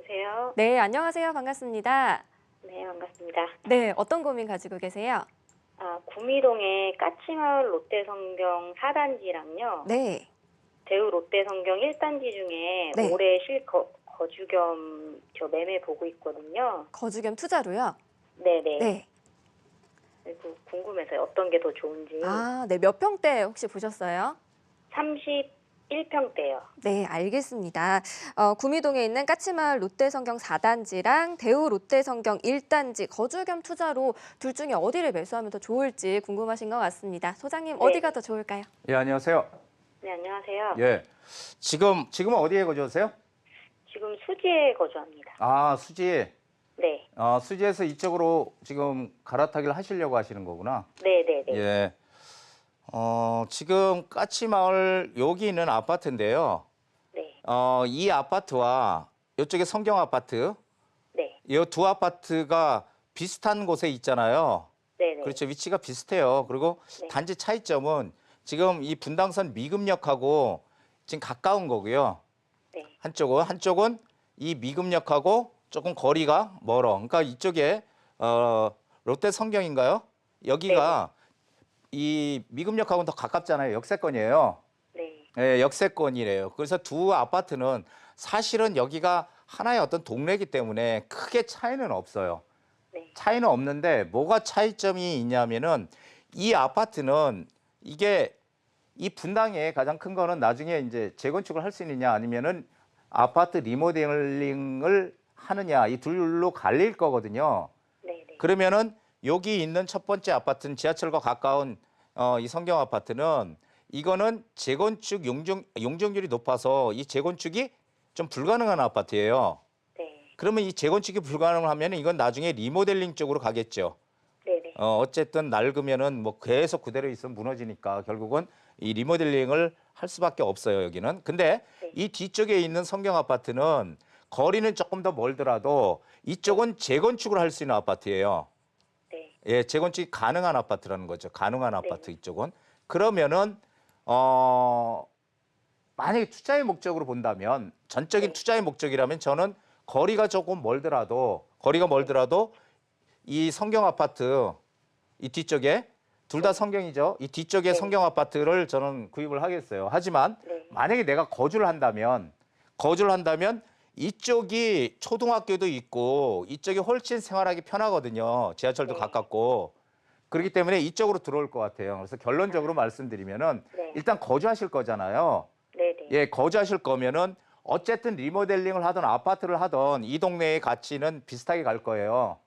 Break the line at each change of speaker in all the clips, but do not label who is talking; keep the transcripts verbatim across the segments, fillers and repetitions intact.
여보세요?
네, 안녕하세요. 반갑습니다.
네, 반갑습니다.
네, 어떤 고민 가지고 계세요?
아, 구미동의 까치마을 롯데성경 사 단지랑요.
네,
대우 롯데성경 일 단지 중에
네.
올해 실거 거주 겸 저 매매 보고 있거든요.
거주 겸 투자로요?
네네.
네.
그리고 궁금해서요. 어떤 게 더 좋은지.
아, 네. 몇 평대 혹시 보셨어요?
삼십일 평대요.
네, 알겠습니다. 어, 구미동에 있는 까치마을 롯데성경 사 단지랑 대우 롯데성경 일 단지 거주 겸 투자로 둘 중에 어디를 매수하면 더 좋을지 궁금하신 것 같습니다. 소장님,
네.
어디가 더 좋을까요?
예, 안녕하세요.
네, 안녕하세요.
예. 지금, 지금은 어디에 거주하세요?
지금 수지에 거주합니다.
아, 수지.
네.
어, 수지에서 이쪽으로 지금 갈아타기를 하시려고 하시는 거구나.
네네네.
예. 어, 지금 까치마을 여기 있는 아파트인데요.
네.
어, 이 아파트와 이쪽에 성경 아파트,
네.
이 두 아파트가 비슷한 곳에 있잖아요.
네네.
그렇죠. 위치가 비슷해요. 그리고
네.
단지 차이점은 지금 이 분당선 미금역하고 지금 가까운 거고요.
네.
한쪽은 한쪽은 이 미금역하고 조금 거리가 멀어. 그러니까 이쪽에 어, 롯데 성경인가요? 여기가 이 미금역하고는 더 가깝잖아요. 역세권이에요.
네.
예, 역세권이래요. 그래서 두 아파트는 사실은 여기가 하나의 어떤 동네이기 때문에 크게 차이는 없어요.
네.
차이는 없는데 뭐가 차이점이 있냐면은 이 아파트는 이게 이 분당에 가장 큰 거는 나중에 이제 재건축을 할 수 있느냐 아니면은 아파트 리모델링을 하느냐 이 둘로 갈릴 거거든요.
네네.
그러면은 여기 있는 첫 번째 아파트는 지하철과 가까운 어, 이 성경 아파트는 이거는 재건축 용적, 용적률이 높아서 이 재건축이 좀 불가능한 아파트예요.
네.
그러면 이 재건축이 불가능하면 이건 나중에 리모델링 쪽으로 가겠죠.
네네.
어, 어쨌든 낡으면은 뭐 계속 그대로 있으면 무너지니까 결국은 이 리모델링을 할 수밖에 없어요, 여기는. 근데
네.
이 뒤쪽에 있는 성경 아파트는 거리는 조금 더 멀더라도 이쪽은 재건축을 할 수 있는 아파트예요.
네.
예, 재건축이 가능한 아파트라는 거죠. 가능한 아파트
네.
이쪽은. 그러면은 어 만약에 투자의 목적으로 본다면 전적인
네.
투자의 목적이라면 저는 거리가 조금 멀더라도 거리가 멀더라도 이 성경 아파트 이 뒤쪽에 둘 다 성경이죠. 이 뒤쪽에
네.
성경 아파트를 저는 구입을 하겠어요. 하지만
네.
만약에 내가 거주를 한다면 거주를 한다면 이쪽이 초등학교도 있고 이쪽이 훨씬 생활하기 편하거든요. 지하철도
네.
가깝고. 그렇기 때문에 이쪽으로 들어올 것 같아요. 그래서 결론적으로 말씀드리면은
네.
일단 거주하실 거잖아요.
네네.
예, 거주하실 거면은 어쨌든 리모델링을 하든 아파트를 하든 이 동네의 가치는 비슷하게 갈 거예요.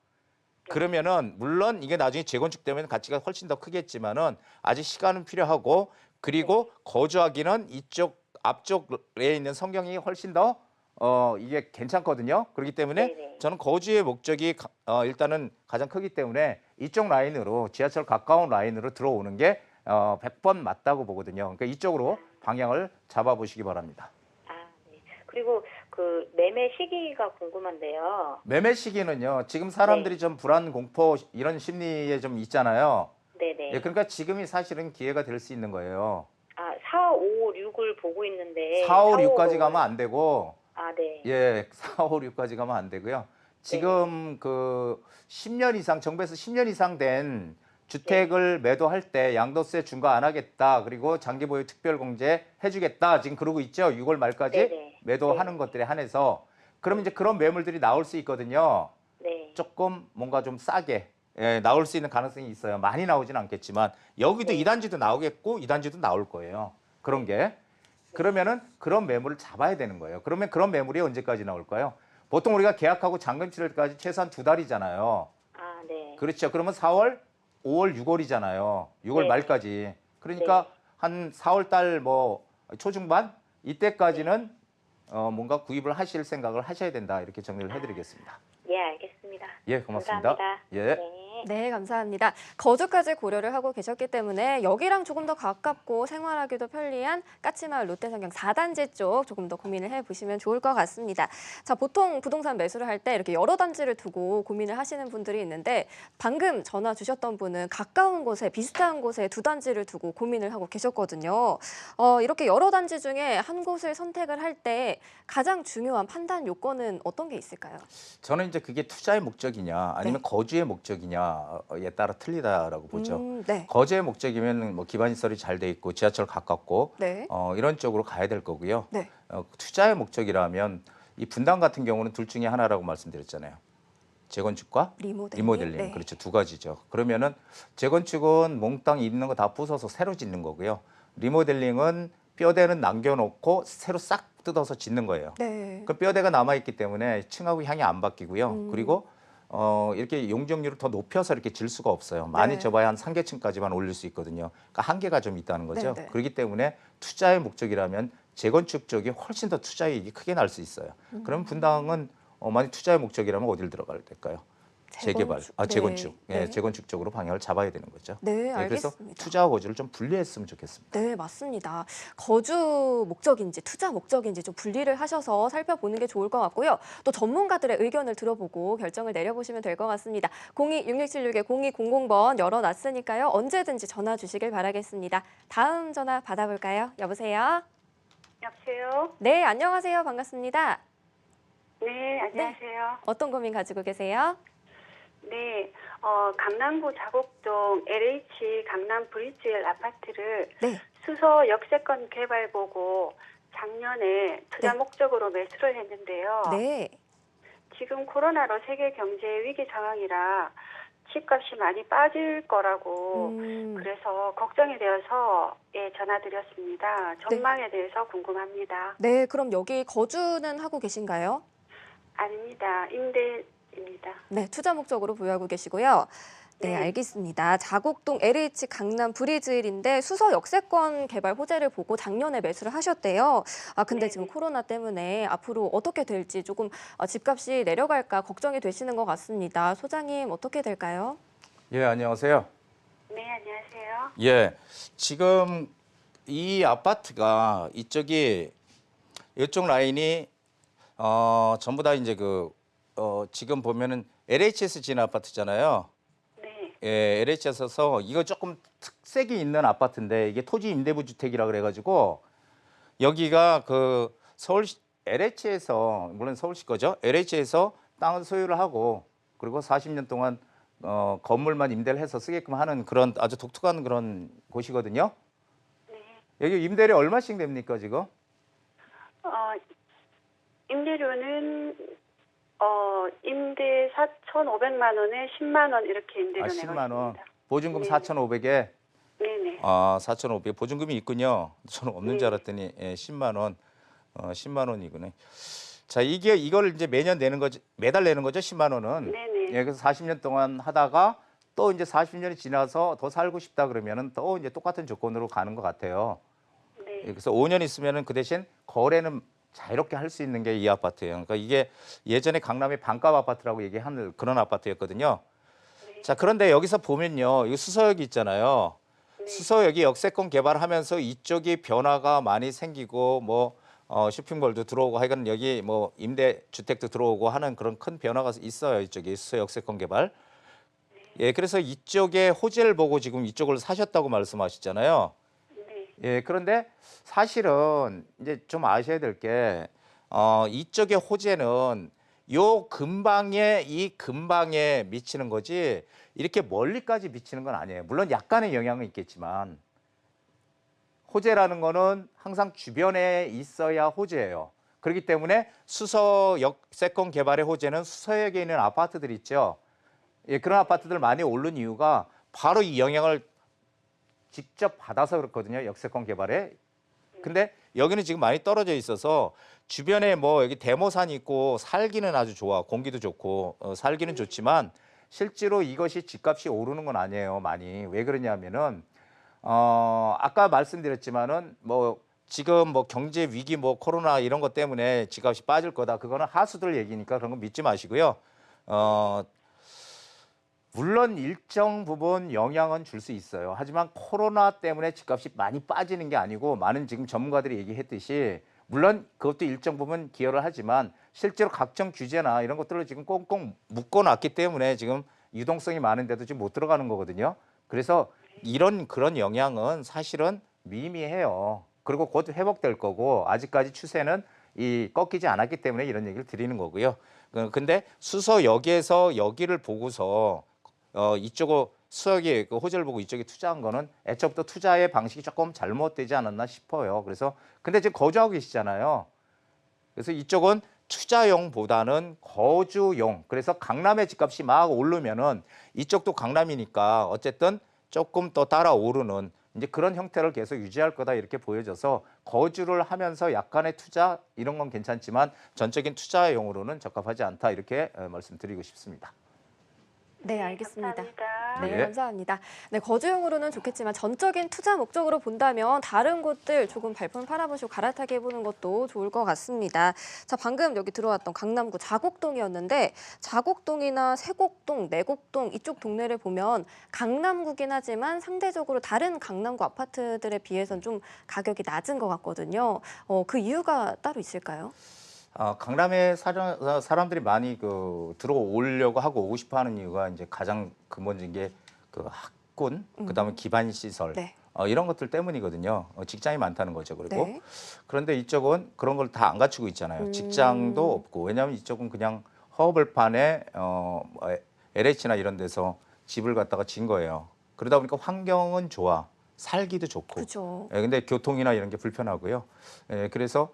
그러면은 물론 이게 나중에 재건축되면 가치가 훨씬 더 크겠지만은 아직 시간은 필요하고 그리고 거주하기는 이쪽 앞쪽에 있는 성경이 훨씬 더 어, 이게 괜찮거든요. 그렇기 때문에
네네.
저는 거주의 목적이 가- 어, 일단은 가장 크기 때문에 이쪽 라인으로 지하철 가까운 라인으로 들어오는 게 어, 백 번 맞다고 보거든요. 그러니까 이쪽으로 방향을 잡아보시기 바랍니다.
아, 네. 그리고 그 매매 시기가 궁금한데요.
매매 시기는요. 지금 사람들이 좀 불안, 공포 이런 심리에 좀 있잖아요.
네네.
예, 그러니까 지금이 사실은 기회가 될 수 있는 거예요.
아, 사, 오, 육을 보고 있는데.
사, 오,
사,
육까지
오를-
가면 안 되고
아, 네.
예, 사, 오, 육까지 가면 안 되고요. 지금 그 십 년 이상 정부에서 십 년 이상 된 주택을 매도할 때 양도세 중과 안 하겠다. 그리고 장기 보유 특별 공제 해주겠다. 지금 그러고 있죠. 유월 말까지
네네.
매도하는
네.
것들에 한해서. 그러면 이제 그런 매물들이 나올 수 있거든요.
네.
조금 뭔가 좀 싸게 예, 나올 수 있는 가능성이 있어요. 많이 나오진 않겠지만 여기도
네.
이 단지도 나오겠고 이 단지도 나올 거예요. 그런 게. 그러면은 그런 매물을 잡아야 되는 거예요. 그러면 그런 매물이 언제까지 나올까요? 보통 우리가 계약하고 잔금 치를 때까지 최소한 두 달이잖아요.
아, 네.
그렇죠. 그러면 사월, 오월, 유월이잖아요. 유월
네.
말까지. 그러니까
네.
한 사월 달 뭐 초중반 이때까지는 어, 뭔가 구입을 하실 생각을 하셔야 된다. 이렇게 정리를 해드리겠습니다.
예, 알겠습니다.
예, 고맙습니다.
감사합니다.
예.
네.
네, 감사합니다. 거주까지 고려를 하고 계셨기 때문에 여기랑 조금 더 가깝고 생활하기도 편리한 까치마을 롯데성경 사 단지 쪽 조금 더 고민을 해보시면 좋을 것 같습니다. 자, 보통 부동산 매수를 할 때 이렇게 여러 단지를 두고 고민을 하시는 분들이 있는데 방금 전화 주셨던 분은 가까운 곳에 비슷한 곳에 두 단지를 두고 고민을 하고 계셨거든요. 어, 이렇게 여러 단지 중에 한 곳을 선택을 할 때 가장 중요한 판단 요건은 어떤 게 있을까요?
저는 이제 그게 투자의 목적이냐 아니면
네.
거주의 목적이냐에 따라 틀리다라고 보죠.
음, 네.
거주의 목적이면 뭐 기반 시설이 잘 돼 있고 지하철 가깝고
네.
어, 이런 쪽으로 가야 될 거고요.
네.
어, 투자의 목적이라면 이 분당 같은 경우는 둘 중에 하나라고 말씀드렸잖아요. 재건축과
리모델링.
리모델링.
네.
그렇죠. 두 가지죠. 그러면은 재건축은 몽땅 있는 거 다 부숴서 새로 짓는 거고요. 리모델링은 뼈대는 남겨놓고 새로 싹 뜯어서 짓는 거예요.
네.
그 뼈대가 남아있기 때문에 층하고 향이 안 바뀌고요.
음.
그리고 어, 이렇게 용적률을 더 높여서 이렇게 질 수가 없어요. 많이
네.
접어야 한 삼 계층까지만 올릴 수 있거든요. 그러니까 한계가 좀 있다는 거죠.
네, 네.
그렇기 때문에 투자의 목적이라면 재건축 쪽이 훨씬 더 투자이익이 크게 날 수 있어요.
음.
그럼 분당은 어, 만약 투자의 목적이라면 어디를 들어가야 될까요? 재개발,
재건축.
아
네.
재건축, 예,
네.
재건축 쪽으로 방향을 잡아야 되는 거죠.
네,
예, 그래서
알겠습니다.
투자와 거주를 좀 분리했으면 좋겠습니다.
네, 맞습니다. 거주 목적인지 투자 목적인지 좀 분리를 하셔서 살펴보는 게 좋을 것 같고요. 또 전문가들의 의견을 들어보고 결정을 내려보시면 될 것 같습니다. 공이 육육칠육 공이공공 번 열어놨으니까요. 언제든지 전화 주시길 바라겠습니다. 다음 전화 받아볼까요? 여보세요?
여보세요?
네, 안녕하세요. 반갑습니다.
네, 안녕하세요.
어떤 고민 가지고 계세요?
네, 어, 강남구 자곡동 엘에이치 강남 브리지웰 아파트를
네.
수서 역세권 개발 보고 작년에 투자
네.
목적으로 매수를 했는데요.
네.
지금 코로나로 세계 경제 위기 상황이라 집값이 많이 빠질 거라고
음,
그래서 걱정이 되어서 예, 전화드렸습니다. 전망에 대해서 궁금합니다.
네, 그럼 여기 거주는 하고 계신가요?
아닙니다. 임대입니다.
네, 투자 목적으로 보유하고 계시고요. 네,
네.
알겠습니다. 자곡동 엘에이치 강남 브리즈힐인데 수서 역세권 개발 호재를 보고 작년에 매수를 하셨대요. 아, 근데
네.
지금 코로나 때문에 앞으로 어떻게 될지 조금 어, 집값이 내려갈까 걱정이 되시는 것 같습니다. 소장님 어떻게 될까요?
예, 안녕하세요.
네, 안녕하세요.
예, 지금 이 아파트가 이쪽이 이쪽 라인이 어, 전부 다 이제 그 어, 지금 보면은 엘에이치에스 지은 아파트잖아요.
네,
예, 엘에이치에스에서 이거 조금 특색이 있는 아파트인데 이게 토지 임대부 주택이라 그래가지고 여기가 그 서울 엘에이치에서 물론 서울시 거죠. 엘에이치에서 땅을 소유를 하고 그리고 사십 년 동안 어, 건물만 임대를 해서 쓰게끔 하는 그런 아주 독특한 그런 곳이거든요.
네.
여기 임대료 얼마씩 냅니까 지금?
어, 임대료는 어, 임대 사천오백만 원에 십만 원 이렇게 임대료
아,
내고
십만 원.
있습니다.
보증금
네.
사천오백에
네네.
아, 사천오백 보증금이 있군요. 저는 없는 줄
네.
알았더니 예, 십만 원. 어, 십만 원이구나. 자, 이게 이걸 이제 매년 내는 거죠. 매달 내는 거죠, 십만 원은.
네네.
예, 그래서 사십 년 동안 하다가 또 이제 사십 년이 지나서 더 살고 싶다 그러면은 또 이제 똑같은 조건으로 가는 것 같아요.
네.
예, 그래서 오 년 있으면은 그 대신 거래는 자유롭게 할 수 있는 게 이 아파트예요. 그러니까 이게 예전에 강남의 반값 아파트라고 얘기하는 그런 아파트였거든요.
네.
자, 그런데 여기서 보면요. 이 수서역이 있잖아요.
네.
수서역이 역세권 개발하면서 이쪽이 변화가 많이 생기고 뭐 어, 쇼핑몰도 들어오고 하여간 여기 뭐 임대 주택도 들어오고 하는 그런 큰 변화가 있어요. 이쪽이 수서 역세권 개발. 예, 그래서 이쪽에 호재를 보고 지금 이쪽을 사셨다고 말씀하셨잖아요.
네.
예, 그런데 사실은 이제 좀 아셔야 될 게 어, 이쪽의 호재는 요 근방에 이 근방에 미치는 거지 이렇게 멀리까지 미치는 건 아니에요. 물론 약간의 영향은 있겠지만 호재라는 거는 항상 주변에 있어야 호재예요. 그렇기 때문에 수서 역세권 개발의 호재는 수서역에 있는 아파트들 있죠. 예, 그런 아파트들 많이 오른 이유가 바로 이 영향을 직접 받아서 그렇거든요. 역세권 개발에. 근데 여기는 지금 많이 떨어져 있어서 주변에 뭐 여기 대모산이 있고 살기는 아주 좋아. 공기도 좋고 어, 살기는 좋지만 실제로 이것이 집값이 오르는 건 아니에요. 많이. 왜 그러냐면은 어, 아까 말씀드렸지만은 뭐 지금 뭐 경제 위기 뭐 코로나 이런 것 때문에 집값이 빠질 거다. 그거는 하수들 얘기니까 그런 거 믿지 마시고요. 어, 물론 일정 부분 영향은 줄 수 있어요. 하지만 코로나 때문에 집값이 많이 빠지는 게 아니고 많은 지금 전문가들이 얘기했듯이 물론 그것도 일정 부분 기여를 하지만 실제로 각종 규제나 이런 것들을 지금 꽁꽁 묶어놨기 때문에 지금 유동성이 많은데도 지금 못 들어가는 거거든요. 그래서 이런 그런 영향은 사실은 미미해요. 그리고 곧 회복될 거고 아직까지 추세는 이 꺾이지 않았기 때문에 이런 얘기를 드리는 거고요. 그- 근데 수서 여기에서 여기를 보고서 어 이쪽으로 수석이 그 호재를 보고 이쪽에 투자한 거는 애초부터 투자의 방식이 조금 잘못되지 않았나 싶어요. 그래서 근데 지금 거주하고 계시잖아요. 그래서 이쪽은 투자용보다는 거주용. 그래서 강남의 집값이 막 오르면은 이쪽도 강남이니까 어쨌든 조금 더 따라 오르는 이제 그런 형태를 계속 유지할 거다 이렇게 보여져서 거주를 하면서 약간의 투자 이런 건 괜찮지만 전적인 투자용으로는 적합하지 않다 이렇게 어, 말씀드리고 싶습니다.
네, 알겠습니다.
감사합니다.
네,
예.
감사합니다. 네, 거주용으로는 좋겠지만 전적인 투자 목적으로 본다면 다른 곳들 조금 발품 팔아보시고 갈아타게 해보는 것도 좋을 것 같습니다. 자, 방금 여기 들어왔던 강남구 자곡동이었는데 자곡동이나 세곡동, 내곡동 이쪽 동네를 보면 강남구긴 하지만 상대적으로 다른 강남구 아파트들에 비해서는 좀 가격이 낮은 것 같거든요. 어, 그 이유가 따로 있을까요?
어, 강남에 사람, 사람들이 많이 그 들어오려고 하고 오고 싶어하는 이유가 이제 가장 근본적인 게 그 학군, 그다음에 기반 시설
네.
어, 이런 것들 때문이거든요. 어, 직장이 많다는 거죠. 그리고
네.
그런데 이쪽은 그런 걸 다 안 갖추고 있잖아요.
음.
직장도 없고 왜냐하면 이쪽은 그냥 허허벌판에 어, 뭐 엘에이치나 이런 데서 집을 갖다가 진 거예요. 그러다 보니까 환경은 좋아, 살기도 좋고.
그렇죠.
예, 근데 교통이나 이런 게 불편하고요. 예, 그래서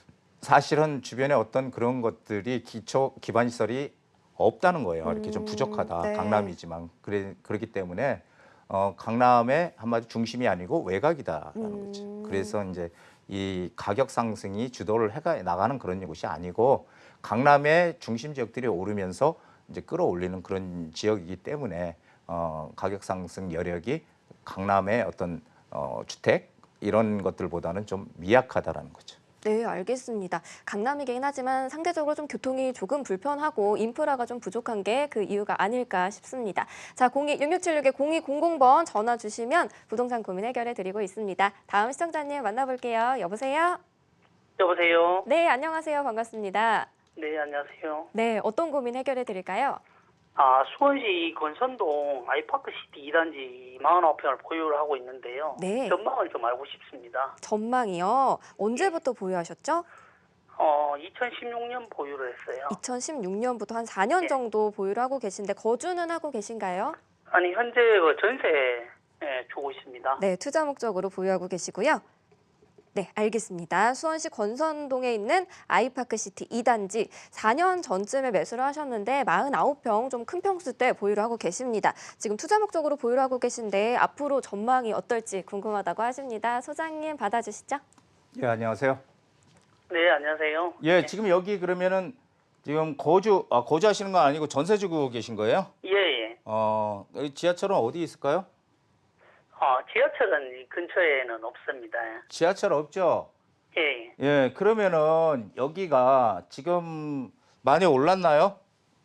사실은 주변에 어떤 그런 것들이 기초 기반 시설이 없다는 거예요. 이렇게 좀
음,
부족하다.
네.
강남이지만 그래 그렇기 때문에 어, 강남의 한마디 중심이 아니고 외곽이다라는 거죠.
음.
그래서 이제 이 가격 상승이 주도를 해가 나가는 그런 곳이 아니고 강남의 중심 지역들이 오르면서 이제 끌어올리는 그런 지역이기 때문에 어, 가격 상승 여력이 강남의 어떤 어, 주택 이런 것들보다는 좀 미약하다라는 거죠.
네, 알겠습니다. 강남이긴 하지만 상대적으로 좀 교통이 조금 불편하고 인프라가 좀 부족한 게 그 이유가 아닐까 싶습니다. 자, 공이 육육칠육에 공이공공 번 전화 주시면 부동산 고민 해결해 드리고 있습니다. 다음 시청자님 만나볼게요. 여보세요?
여보세요.
네, 안녕하세요. 반갑습니다.
네, 안녕하세요.
네, 어떤 고민 해결해 드릴까요?
아, 수원시 건선동 아이파크시티 이 단지 사십구 평을 보유를 하고 있는데요.
네.
전망을 좀 알고 싶습니다.
전망이요. 언제부터 보유하셨죠?
어, 이천십육 년 보유를 했어요.
이천십육 년부터 한 사 년
네.
정도 보유를 하고 계신데 거주는 하고 계신가요?
아니, 현재 그 전세 예, 주고 있습니다.
네, 투자 목적으로 보유하고 계시고요. 네, 알겠습니다. 수원시 권선동에 있는 아이파크시티 이 단지 사 년 전쯤에 매수를 하셨는데 사십구 평 좀 큰 평수 때 보유를 하고 계십니다. 지금 투자 목적으로 보유를 하고 계신데 앞으로 전망이 어떨지 궁금하다고 하십니다. 소장님 받아주시죠.
예, 안녕하세요.
네, 안녕하세요.
예,
네.
지금 여기 그러면은 지금 거주 아, 거주하시는 건 아니고 전세 주고 계신 거예요?
예, 예.
어, 여기 지하철은 어디 있을까요?
어, 지하철은 이 근처에는 없습니다.
지하철 없죠?
예, 예.
예, 그러면은 여기가 지금 많이 올랐나요?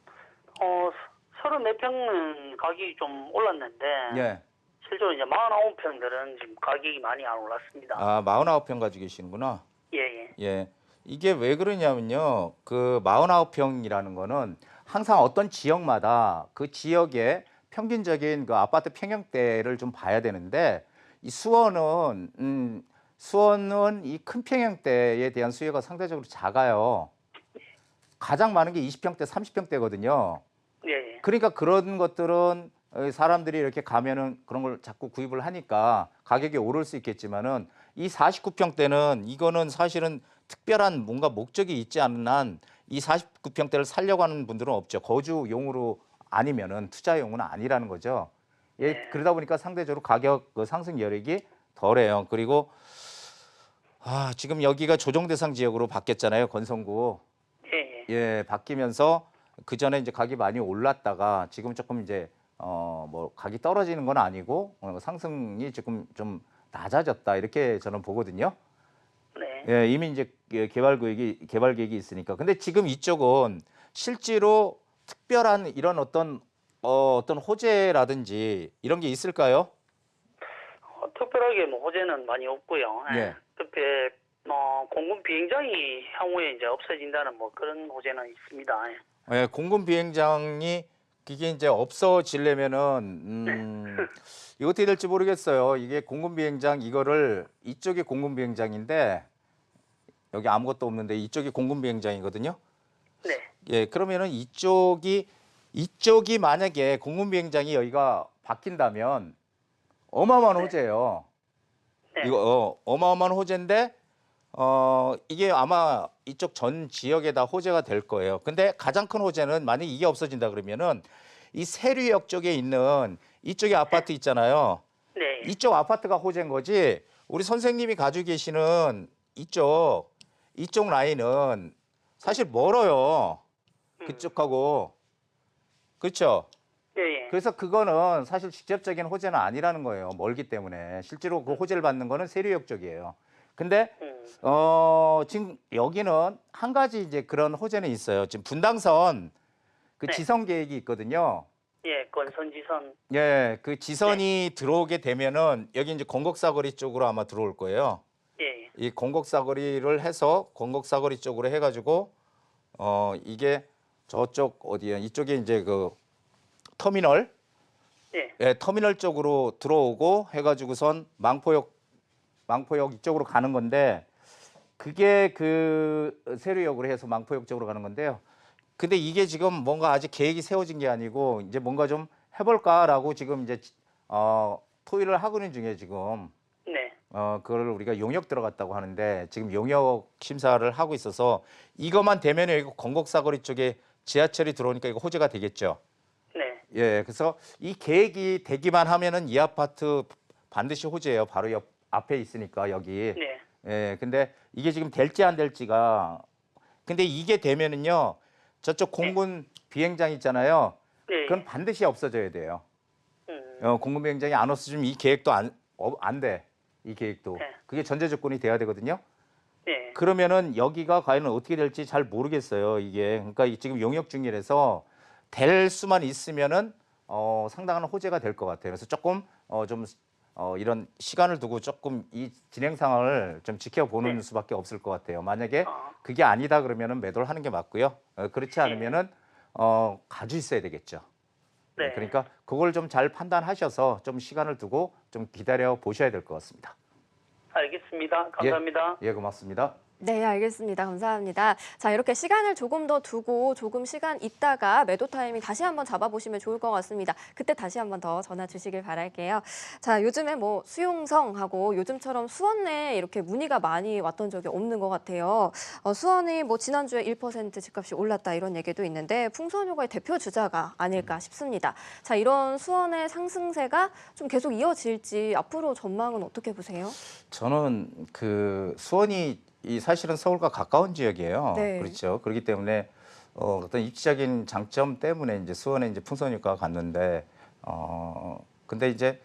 어, 서른네 평은 가격이 좀 올랐는데
예.
실제로 이제 사십구 평들은 지금 가격이 많이 안 올랐습니다.
아, 사십구 평 가지고 계시는구나.
예, 예.
예. 이게 왜 그러냐면요. 그 사십구 평이라는 거는 항상 어떤 지역마다 그 지역의 평균적인 그 아파트 평형대를 좀 봐야 되는데 이 수원은 음 수원은 이 큰 평형대에 대한 수요가 상대적으로 작아요. 가장 많은 게 이십 평대, 삼십 평대거든요.
예, 예.
그러니까 그런 것들은 어, 사람들이 이렇게 가면은 그런 걸 자꾸 구입을 하니까 가격이 오를 수 있겠지만은 이 사십구 평대는 이거는 사실은 특별한 뭔가 목적이 있지 않은 한 이 사십구 평대를 살려고 하는 분들은 없죠. 거주용으로 아니면은 투자용은 아니라는 거죠. 예,
네.
그러다 보니까 상대적으로 가격 그 상승 여력이 덜해요. 그리고 아, 지금 여기가 조정 대상 지역으로 바뀌었잖아요. 건선구.
예, 예.
예, 바뀌면서 그 전에 이제 가격이 많이 올랐다가 지금 조금 이제 어 뭐 가격이 떨어지는 건 아니고 어, 상승이 조금 좀 낮아졌다 이렇게 저는 보거든요.
네.
예, 이미 이제 개발 구역이 개발 계획이 있으니까. 근데 지금 이쪽은 실제로 특별한 이런 어떤 어, 어떤 호재라든지 이런 게 있을까요?
어, 특별하게 뭐 호재는 많이 없고요.
예.
특히 뭐 공군 비행장이 향후에 이제 없어진다는 뭐 그런 호재는 있습니다. 예.
예, 공군 비행장이 그게 이제 없어지려면은 음, 이거 어떻게 될지 모르겠어요. 이게 공군 비행장 이거를 이쪽이 공군 비행장인데 여기 아무것도 없는데 이쪽이 공군 비행장이거든요.
네.
예, 그러면은 이쪽이 이쪽이 만약에 공군 비행장이 여기가 바뀐다면 어마어마한
네.
호재예요.
네.
이거 어, 어마어마한 호재인데 어 이게 아마 이쪽 전 지역에다 호재가 될 거예요. 근데 가장 큰 호재는 만약 이게 없어진다 그러면은 이 세류역 쪽에 있는 이쪽에 아파트 있잖아요.
네.
이쪽 아파트가 호재인 거지. 우리 선생님이 가지고 계시는 이쪽 이쪽 라인은 사실 멀어요. 그쪽하고. 그렇죠?
예, 예.
그래서 그거는 사실 직접적인 호재는 아니라는 거예요. 멀기 때문에. 실제로 그 호재를 받는 거는 세류역 쪽이에요. 근데
음.
어 지금 여기는 한 가지 이제 그런 호재는 있어요. 지금 분당선 그
네.
지선 계획이 있거든요.
예, 건선지선.
예, 그 지선이 들어오게 되면은 여기 이제 건곡사거리 쪽으로 아마 들어올 거예요.
예.
이 건곡사거리를 해서 건곡사거리 쪽으로 해가지고 어 이게 저쪽 어디야? 이쪽에 이제 그 터미널,
예.
예, 터미널 쪽으로 들어오고 해가지고선 망포역, 망포역 이쪽으로 가는 건데 그게 그 세류역으로 해서 망포역 쪽으로 가는 건데요. 근데 이게 지금 뭔가 아직 계획이 세워진 게 아니고 이제 뭔가 좀 해볼까라고 지금 이제 어 토의를 하고 있는 중에 지금
네.
어 그걸 우리가 용역 들어갔다고 하는데 지금 용역 심사를 하고 있어서 이것만 되면은 이거 건곡사거리 쪽에 지하철이 들어오니까 이거 호재가 되겠죠.
네.
예, 그래서 이 계획이 되기만 하면은 이 아파트 반드시 호재예요. 바로 옆 앞에 있으니까 여기.
네.
예, 근데 이게 지금 될지 안 될지가 근데 이게 되면은요. 저쪽 공군 비행장 있잖아요.
네.
그건 반드시 없어져야 돼요.
음.
어, 공군 비행장이 안 없어지면 이 계획도 안, 어, 안 돼. 이 계획도.
네.
그게 전제 조건이 돼야 되거든요.
네.
그러면은 여기가 과연 어떻게 될지 잘 모르겠어요. 이게 그러니까 이 지금 용역 중이라서 될 수만 있으면은 어, 상당한 호재가 될 것 같아요. 그래서 조금 어, 좀 어, 이런 시간을 두고 조금 이 진행 상황을 좀 지켜보는
네.
수밖에 없을 것 같아요. 만약에
아.
그게 아니다 그러면은 매도를 하는 게 맞고요. 어, 그렇지 않으면은 어, 가지고 있어야 되겠죠.
네.
그러니까 그걸 좀 잘 판단하셔서 좀 시간을 두고 좀 기다려 보셔야 될 것 같습니다.
알겠습니다. 감사합니다.
예, 고맙습니다.
네, 알겠습니다. 감사합니다. 자, 이렇게 시간을 조금 더 두고 조금 시간 있다가 매도 타이밍 다시 한번 잡아보시면 좋을 것 같습니다. 그때 다시 한번 더 전화 주시길 바랄게요. 자, 요즘에 뭐 수용성하고 요즘처럼 수원내 이렇게 문의가 많이 왔던 적이 없는 것 같아요. 어, 수원이 뭐 지난주에 일 퍼센트 집값이 올랐다 이런 얘기도 있는데 풍선효과의 대표 주자가 아닐까 싶습니다. 자, 이런 수원의 상승세가 좀 계속 이어질지 앞으로 전망은 어떻게 보세요?
저는 그 수원이 이 사실은 서울과 가까운 지역이에요.
네.
그렇죠. 그렇기 때문에 어, 어떤 입지적인 장점 때문에 이제 수원에 이제 풍선 효과가 갔는데 어 근데 이제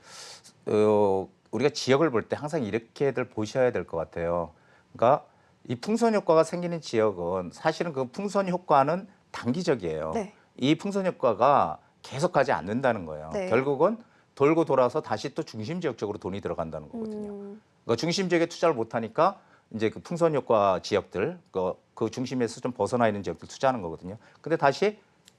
어, 우리가 지역을 볼 때 항상 이렇게들 보셔야 될 것 같아요. 그러니까 이 풍선 효과가 생기는 지역은 사실은 그 풍선 효과는 단기적이에요.
네.
이 풍선 효과가 계속 가지 않는다는 거예요.
네.
결국은 돌고 돌아서 다시 또 중심 지역 쪽으로 돈이 들어간다는 거거든요.
음,
그러니까 중심 지역에 투자를 못 하니까 이제 그 풍선 효과 지역들 그, 그 중심에서 좀 벗어나 있는 지역들 투자하는 거거든요. 근데 다시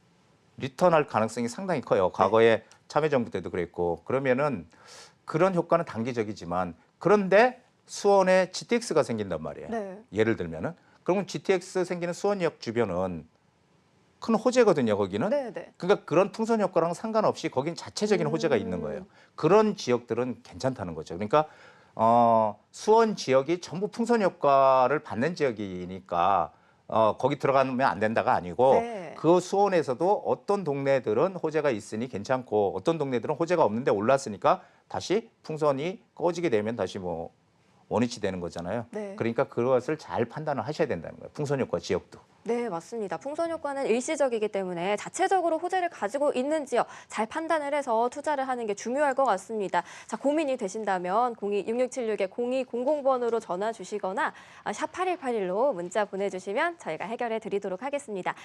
리턴할 가능성이 상당히 커요. 과거에 참여정부 때도 그랬고 그러면은 그런 효과는 단기적이지만 그런데 수원에 지티엑스가 생긴단 말이에요.
네.
예를 들면은 그러면 지티엑스 생기는 수원역 주변은 큰 호재거든요. 거기는.
네, 네.
그러니까 그런 풍선 효과랑 상관없이 거긴 자체적인 호재가 있는 거예요. 그런 지역들은 괜찮다는 거죠. 그러니까 어, 수원 지역이 전부 풍선 효과를 받는 지역이니까 어, 거기 들어가면 안 된다가 아니고
네.
그 수원에서도 어떤 동네들은 호재가 있으니 괜찮고 어떤 동네들은 호재가 없는데 올랐으니까 다시 풍선이 꺼지게 되면 다시 뭐 원위치 되는 거잖아요.
네.
그러니까 그것을 잘 판단을 하셔야 된다는 거예요. 풍선 효과 지역도.
네, 맞습니다. 풍선 효과는 일시적이기 때문에 자체적으로 호재를 가지고 있는지요. 잘 판단을 해서 투자를 하는 게 중요할 것 같습니다. 자, 고민이 되신다면 공이 육육칠육 공이공공 번으로 전화 주시거나 샵 팔일팔일로 문자 보내주시면 저희가 해결해 드리도록 하겠습니다.